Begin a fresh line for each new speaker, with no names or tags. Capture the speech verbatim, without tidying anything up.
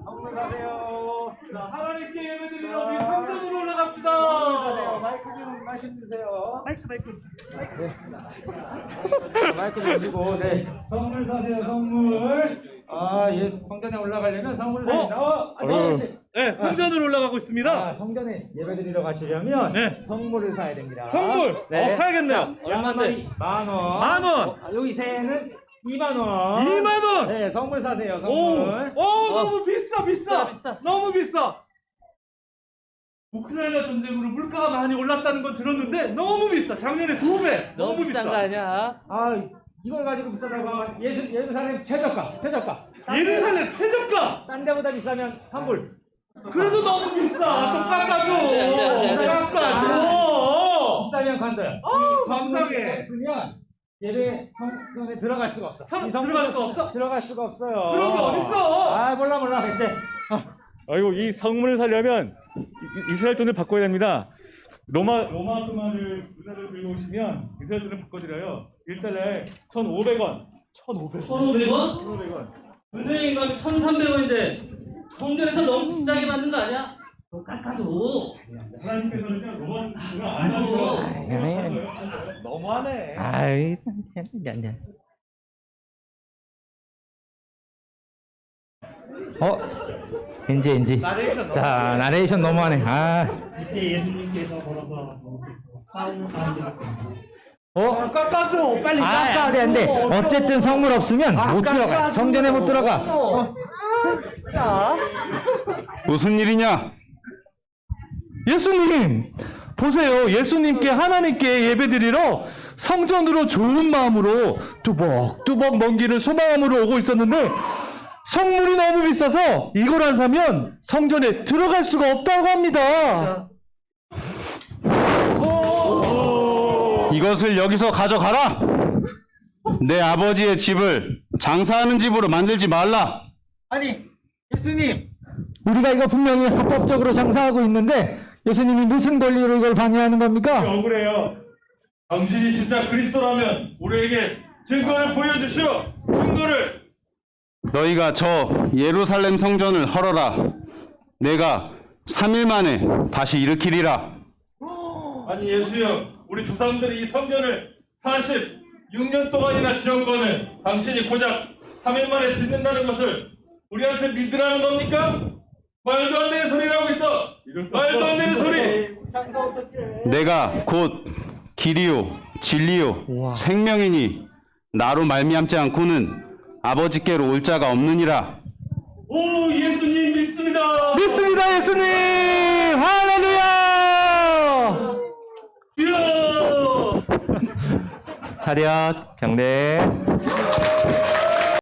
성문 사세요.
자, 하나님께 예배드리러 우리 성전으로 올라갑시다.
마이크 좀 말씀 주세요.
마이크 마이크.
네. 마이크 좀 주시고, 네. 선물 사세요, 선물. 아, 예, 성전에 올라가려면 선물 사야 된다. 어, 안녕하세요.
네, 성전으로 올라가고 있습니다.
아, 성전에 예배드리러 가시려면
네.
선물을 사야 됩니다.
선물.
네.
어, 사야겠네요.
얼마인데? 만 원.
만 원.
어, 여기 새는 이만 원.
이만 원.
네, 선물 사세요,
오,
선물.
오, 너무 비싸, 비싸,
비싸.
너무 비싸. 우크라이나 전쟁으로 물가가 많이 올랐다는 건 들었는데 너무 비싸. 작년에 두 배.
너무 비싼 거 아니야?
아, 이걸 가지고 비싸다고 하면 예수, 예루살렘 최저가, 최저가.
예루살렘 최저가.
딴 데보다 비싸면 환불.
그래도 너무 비싸. 좀 깎아줘.
안 돼, 안 돼, 안 돼.
깎아줘.
비싸면 관둬요.
아,
선물이
감사해.
없으면 예배 성전에 들어갈 수가 없어.
성-
이 선물이
들어갈 수가
없으면
없어?
들어갈 수가 없어요.
그런 게 어딨어?
아, 몰라 몰라 이제.
아이고 이 성문을 살려면 이- 이스라엘 돈을 바꿔야 됩니다. 로마 로마 금화를 은하를 들고 오시면 이스라엘 돈을 바꿔드려요. 일 달러에 천오백 원. 천오백 원.
천오백 원?
천오백 원.
은행에 가면 천삼백 원인데 성전에서 너무 비싸게 받는 거 아니야? 너 깎아줘.
하나님께서는요 로마 금화 안
아이고.
하셔서
너무하네.
아이, 네. 어? 인지 인지.
나레이션 너무
자, 나레이션 너무하네. 아,
이때 예수님께서 걸어서 싸우는 사람들
어?
깎아줘. 빨리
아,
깎아.
돼, 안 돼. 어쨌든 성물 없으면
아,
못 들어가.
깎아줘.
성전에 못 들어가.
어.
무슨 일이냐?
예수님 보세요. 예수님께 하나님께 예배드리러 성전으로 좋은 마음으로 뚜벅뚜벅 먼 길을 소망함으로 오고 있었는데 성물이 너무 비싸서 이걸 안 사면 성전에 들어갈 수가 없다고 합니다.
이것을 여기서 가져가라. 내 아버지의 집을 장사하는 집으로 만들지 말라.
아니, 예수님.
우리가 이거 분명히 합법적으로 장사하고 있는데 예수님이 무슨 권리로 이걸 방해하는 겁니까?
억울해요. 당신이 진짜 그리스도라면 우리에게 증거를 보여주시오. 증거를.
너희가 저 예루살렘 성전을 헐어라. 내가 삼 일 만에 다시 일으키리라.
아니 예수여, 우리 조상들이 이 성전을 사십육 년 동안이나 지었거늘 당신이 고작 삼 일 만에 짓는다는 것을 우리한테 믿으라는 겁니까? 말도 안 되는 소리를 하고 있어. 말도 안 되는 소리.
장사 어떡해.
내가 곧 길이요 진리요 생명이니 나로 말미암지 않고는 아버지께로 올 자가 없느니라.
오, 예수님 믿습니다.
믿습니다, 예수님. 할렐루야.
주여.
차렷 경례.